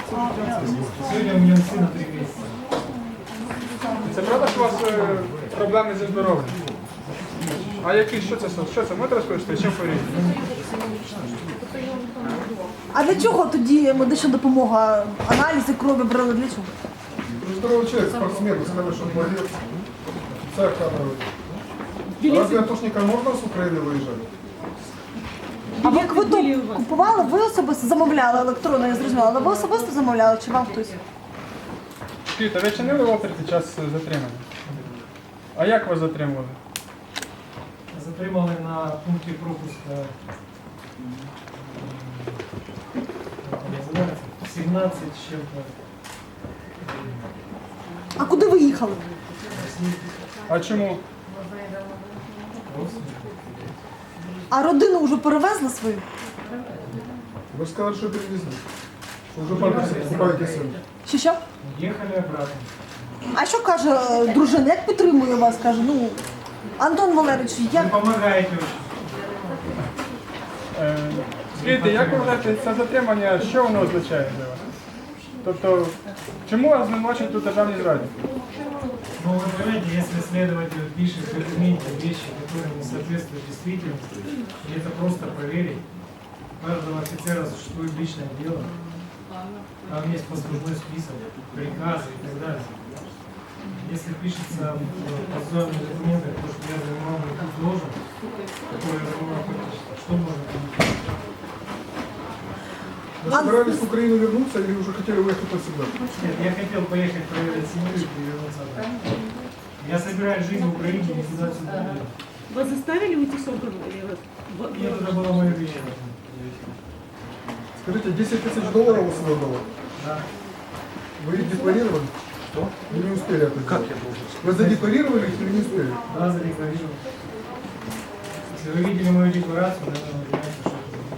Сегодня у меня сына 3 месяца. Це правда, що у вас проблеми зі здоров'ям? А які, що це? Можете розповісти? Чим хворієте? А для чого тоді медична допомога? Аналізи крові брали для чого? Здоровый человек, спортсмен, хороший молодец. Царь кадровый. Разве атошникам можно с Украины выезжать? А ви квиток купували? Ви особисто замовляли електронно, я зрозуміла, але ви особисто замовляли чи вам хтось? Скажіть, ви чинили опір під час затримання? А як вас затримували? Затримали на пункте пропуска, как это называется, 17 с чем-то. А куди ви їхали? А чому? А родину вже перевезли свою? Вы же сказали, что перевезли. Что уже покупаете сын. Що? Ехали обратно. А що каже дружина? Як підтримує вас? Каже, ну, Антон Валерійович, Вы як... помогаете очень. Скажіть, як ви вважаєте, це затримання, що воно означає для вас? Тобто, чому вас звинувачують у державній зраді? Ну, вы понимаете, если следователь пишет в документе вещи, которые не соответствуют действительности, и это просто проверить, у каждого офицера существует личное дело, там есть послужной список, приказы и так далее. Если пишется в процессуальных документах, то, что я занимал какую должность, которую я занимал фактически, что можно понять? Вы собирались в Украину вернуться или уже хотели уехать навсегда? Нет, я хотел поехать проверить семью и вернуться обратно. Я собираюсь жить в Украине, никуда отсюда не еду. Вас заставили уйти с округа? Или вас... Нет, это было мое решение. Скажите, 10 тысяч долларов у своего дома? Да. Вы их декларировали? Что? Или не успели это сделать? Как я должен? Вы задекларировали их или не успели? Да, задекларировал. Если вы видели мою декларацию, наверное, вы понимаете, что это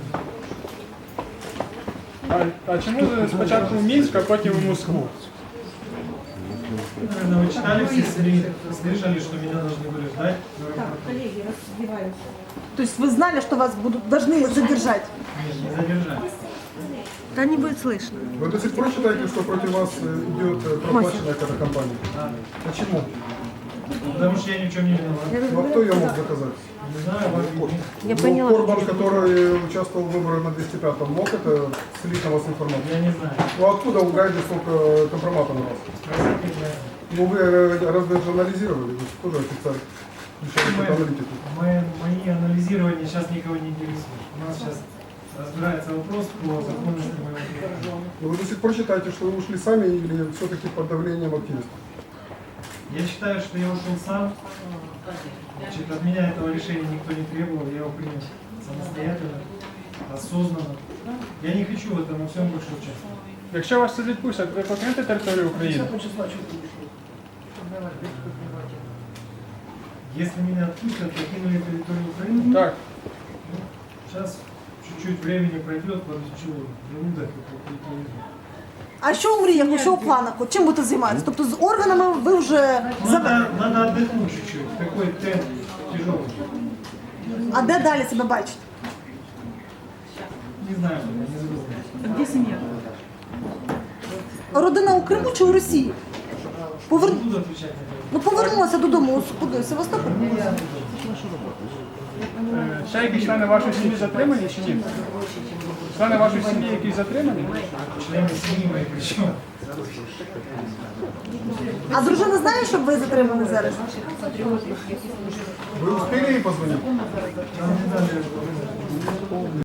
А чому ви спочатку в Мінськ, а потім в Москву? наверное, вы читали все СМИ, слышали, что меня должны были ждать. Коллеги, раздеваются. То есть вы знали, что вас будут, должны задержать? Нет, не задержали. Да не будет слышно. Вы до сих пор считаете, что против вас идет проплаченная какая-то компания? Да. Почему? Потому что я ни в чем не виноват. Ну а кто ее мог доказать? Не знаю, вас видно. Я Ну, поняла. Корбан, который участвовал в выборах на 205-м, мог это слить на вас информацию? Я не знаю. Ну откуда у Гайда столько компромата на вас? Спросите меня. Ну вы разве журнализировали? Вы же тоже офицер, включаете аналитику. Мои анализирования сейчас никого не интересуют. У нас сейчас разбирается вопрос по законности моего труда. Но вы до сих пор считаете, что вы ушли сами или все-таки под давлением активистов? Я считаю, что я ушел сам. Значит, от меня этого решения никто не требовал, я его принял самостоятельно, осознанно. Я не хочу в этом во всем больше участвовать. Якщо вас це відпустять, ви покинете територію України? Если меня отпустят, покинули территорию Украины, Так. сейчас чуть-чуть времени пройдет, подучу желудок и попью. А що у мріях, що у планах? От чим будете займатися? Тобто з органами ви вже... Надо отдохнуть чуть-чуть, такой темп тяжелый. А де далі себе бачите? Не знаю, не забыл. А где семья? Родина у Криму чи у Росії? Не буду отвечать на это. Ну повернулася додому, куди? В Севастополь? Ще якісь члени вашої сім'ї затримані чи ні? Члени вашої сім'ї якісь затримані? Члены семьи мои причем. А дружина знає, що ви затримані зараз? Вы успели ей позвонить? Нам не дали